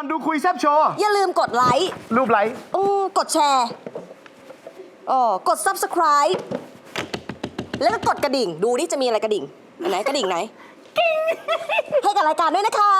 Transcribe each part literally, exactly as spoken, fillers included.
อนดูคุยแซบโชว์อย่าลืมกดไลค์รูปไลค์กดแชร์อ๋อกด ซับสไครบ์ แล้วก็กดกระดิ่งดูนี่จะมีอะไรกระดิ่งอันไหนกระดิ่งไหนให้กับรายการด้วยนะคะ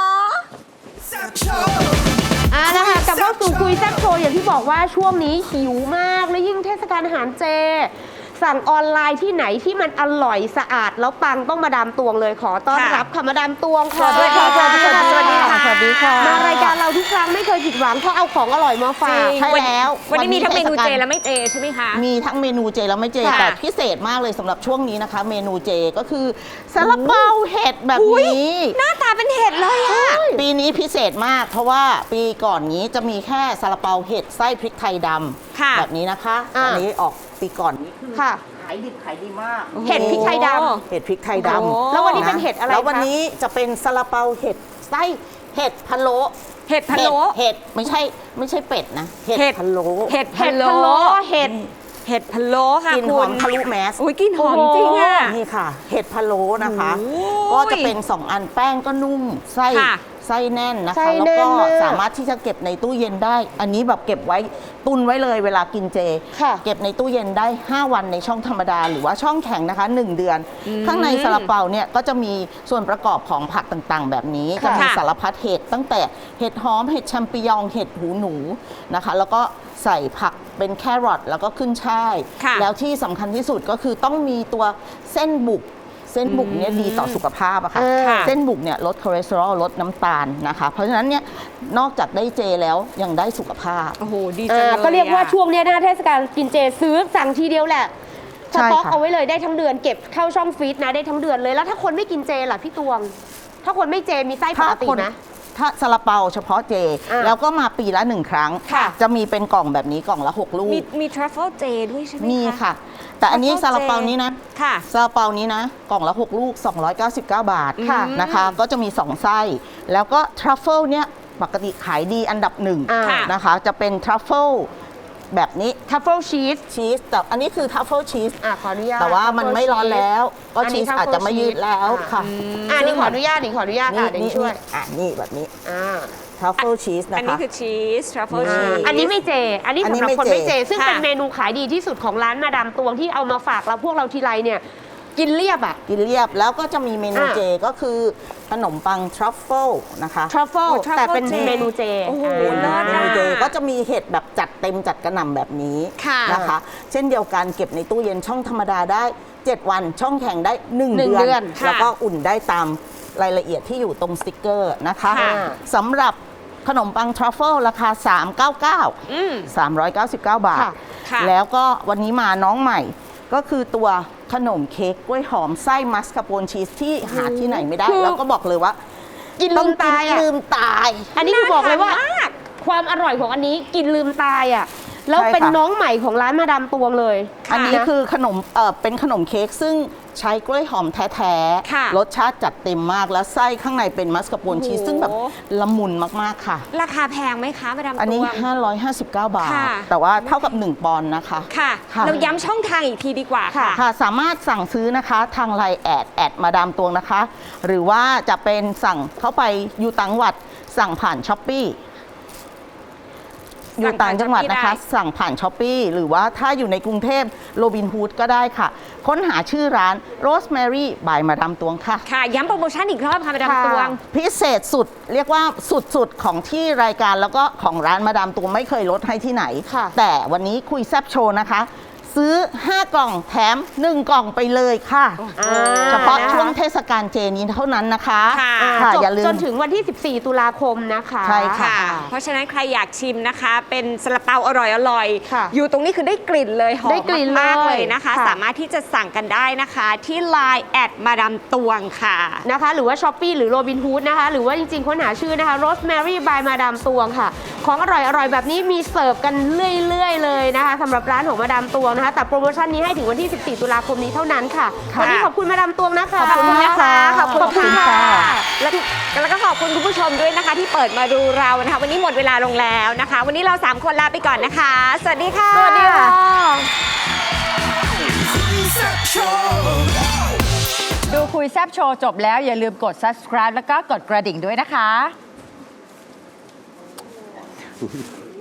อ่านะคะกลับเข้าสู่คุยแซ่บโชว์อย่างที่บอกว่าช่วงนี้หิวมากและยิ่งเทศกาลอาหารเจสั่งออนไลน์ที่ไหนที่มันอร่อยสะอาดแล้วปังต้องมาดามตวงเลยขอต้อนรับค่ะมาดามตวงค่ะสวัสดีค่ะสวัสดีค่ะสวัสดีค่ะสวัสดีค่ะมารายการเราทุกครั้งไม่เคยผิดหวังเพราะเอาของอร่อยมาฝากใช่แล้ววันนี้มีทั้งเมนูเจและไม่เจใช่ไหมคะมีทั้งเมนูเจและไม่เจแต่พิเศษมากเลยสำหรับช่วงนี้นะคะ เมนูเจก็คือซาลาเปาเห็ดแบบนี้หน้าตาเป็นเห็ดเลยอะปีนี้พิเศษมากเพราะว่าปีก่อนนี้จะมีแค่ซาลาเปาเห็ดไส้พริกไทยดำแบบนี้นะคะอันนี้ออกปีก่อนนี้คือขายดิบขายดีมากเห็ดพริกไทยดำเห็ดพริกไทยดำแล้ววันนี้เป็นเห็ดอะไรคะแล้ววันนี้จะเป็นซาลาเปาเห็ดไส้เห็ดพะโล้เห็ดพะโล้เห็ดไม่ใช่ไม่ใช่เป็ดนะเห็ดพะโล้เห็ดพะโล้เห็ดเห็ดพะโล้ค่ะกินหอมทะลุแมสอุ้ยกินหอมจริงอ่ะนี่ค่ะเห็ดพะโล้นะคะก็จะเป็นสองอันแป้งก็นุ่มไส้ไส้แน่นนะคะแล้วก็สามารถที่จะเก็บในตู้เย็นได้อันนี้แบบเก็บไว้ตุนไว้เลยเวลากินเจเก็บในตู้เย็นได้ห้าวันในช่องธรรมดาหรือว่าช่องแข็งนะคะหนึ่งเดือนข้างในซาลาเปาเนี่ยก็จะมีส่วนประกอบของผักต่างๆแบบนี้จะมีสารพัดเห็ดตั้งแต่เห็ดหอมเห็ดแชมปิญองเห็ดหูหนูนะคะแล้วก็ใส่ผักเป็นแครอทแล้วก็ขึ้นช่ายแล้วที่สำคัญที่สุดก็คือต้องมีตัวเส้นบุกเส้นบุกเนี่ยดีต่อสุขภาพอะค่ะเส้นบุกเนี่ยลดคอเลสเตอรอลลดน้ำตาลนะคะเพราะฉะนั้นเนี่ยนอกจากได้เจแล้วยังได้สุขภาพโอ้โหดีจังเลยก็เรียกว่าช่วงนี้นะเทศกาลกินเจซื้อสั่งทีเดียวแหละสต็อกเอาไว้เลยได้ทั้งเดือนเก็บเข้าช่องฟรีซนะได้ทั้งเดือนเลยแล้วถ้าคนไม่กินเจล่ะพี่ตวงถ้าคนไม่เจมีไส้ปกตินะถ้าซาลาเปาเฉพาะเจแล้วก็มาปีละหนึ่งครั้งจะมีเป็นกล่องแบบนี้กล่องละหกลูกมีมีทรัฟเฟิลเจด้วยใช่ไหมคะมีค่ะแต่อันนี้ซาลาเปานี้นะซาลาเปานี้นะกล่องละหกลูกสองร้อยเก้าสิบเก้าบาทนะคะก็จะมีสองไส้แล้วก็ทรัฟเฟิลเนี่ยปกติขายดีอันดับหนึ่งนะคะจะเป็นทรัฟเฟิลแบบนี้ทัฟเฟิลชีสชีสแต่อันนี้คือทัฟเฟิลชีสอ่ะขออนุญาตแต่ว่ามันไม่ร้อนแล้วก็ชีสอาจจะไม่ยืดแล้วค่ะอันนี้ขออนุญาตนี่ขออนุญาตค่ะนี่ช่วยอ่ะนี่แบบนี้ทรัฟเฟิลชีสนะคะอันนี้คือชีสทรัฟเฟิลชีสอันนี้ไม่เจอันนี้สำหรับคนไม่เจซึ่งเป็นเมนูขายดีที่สุดของร้านมาดามตวงที่เอามาฝากเราพวกเราทีไรเนี่ยกินเรียบอ่ะกินเรียบแล้วก็จะมีเมนูเจก็คือขนมปังทรัฟเฟิลนะคะทรัฟเฟิลแต่เป็นเมนูเจโอ้โหเมนูเจก็จะมีเห็ดแบบจัดเต็มจัดกระหน่ำแบบนี้นะคะเช่นเดียวกันเก็บในตู้เย็นช่องธรรมดาได้เจ็ดวันช่องแข็งได้หนึ่งเดือนแล้วก็อุ่นได้ตามรายละเอียดที่อยู่ตรงสติ๊กเกอร์นะคะสำหรับขนมปังทรัฟเฟิลราคาสามร้อยเก้าสิบเก้า สามร้อยเก้าสิบเก้าบาทแล้วก็วันนี้มาน้องใหม่ก็คือตัวขนมเค้กกล้วยหอมไส้มัสคาโปนชีสที่หาที่ไหนไม่ได้แล้วก็บอกเลยว่ากินลืมตายลืมตายอันนี้คือบอกเลยว่าความอร่อยของอันนี้กินลืมตายอ่ะแล้วเป็นน้องใหม่ของร้านมาดามตวงเลยอันนี้คือขนมเออเป็นขนมเค้กซึ่งใช้กล้วยหอมแท้ๆรสชาติจัดเต็มมากแล้วไส้ข้างในเป็นมัสคาโปนชีสซึ่งแบบละมุนมากๆค่ะราคาแพงไหมคะมาดามตวงอันนี้ห้าร้อยห้าสิบเก้าบาทแต่ว่าเท่ากับหนึ่งปอนด์นะคะค่ะเราย้ำช่องทางอีกทีดีกว่าค่ะค่ะสามารถสั่งซื้อนะคะทางไลน์แอดแอดมาดามตวงนะคะหรือว่าจะเป็นสั่งเข้าไปอยู่ต่างจังหวัดสั่งผ่านช้อปปี้อยู่ต่างจังหวัดนะคะสั่งผ่านช้อปปี้หรือว่าถ้าอยู่ในกรุงเทพโรบินฮูดก็ได้ค่ะค้นหาชื่อร้าน Rosemary by มาดามตวงค่ะค่ะย้ำโปรโมชั่นอีกรอบค่ะมาดามตวงพิเศษสุดเรียกว่าสุดๆของที่รายการแล้วก็ของร้านมาดามตวงไม่เคยลดให้ที่ไหนแต่วันนี้คุยแซบโชว์นะคะซื้อห้ากล่องแถมหนึ่งกล่องไปเลยค่ะเฉพาะช่วงเทศกาลเจนี้เท่านั้นนะคะค่ะอย่าลืมจนถึงวันที่สิบสี่ตุลาคมนะคะใช่ค่ะเพราะฉะนั้นใครอยากชิมนะคะเป็นซาลาเปาอร่อยอร่อยอยู่ตรงนี้คือได้กลิ่นเลยหอมมากเลยนะคะสามารถที่จะสั่งกันได้นะคะที่ ไลน์ แอดมาดามตวงค่ะนะคะหรือว่าช้อปปี้หรือโรบินฮูดนะคะหรือว่าจริงๆค้นหาชื่อนะคะ Rosemary by มาดามตวงค่ะของอร่อยอร่อยแบบนี้มีเสิร์ฟกันเรื่อยๆเลยนะคะสำหรับร้านของมาดามตวงแต่โปรโมชั่นนี้ให้ถึงวันที่สิบสี่ตุลาคมนี้เท่านั้นค่ะวันนี้ขอบคุณมาดามตวงนะคะขอบคุณนะคะขอบคุณค่ะแล้วก็ขอบคุณคุณผู้ชมด้วยนะคะที่เปิดมาดูเรานะคะวันนี้หมดเวลาลงแล้วนะคะวันนี้เราสามคนลาไปก่อนนะคะสวัสดีค่ะสวัสดีค่ะดูคุยแซบโชว์จบแล้วอย่าลืมกด ซับสไครบ์ แล้วก็กดกระดิ่งด้วยนะคะว์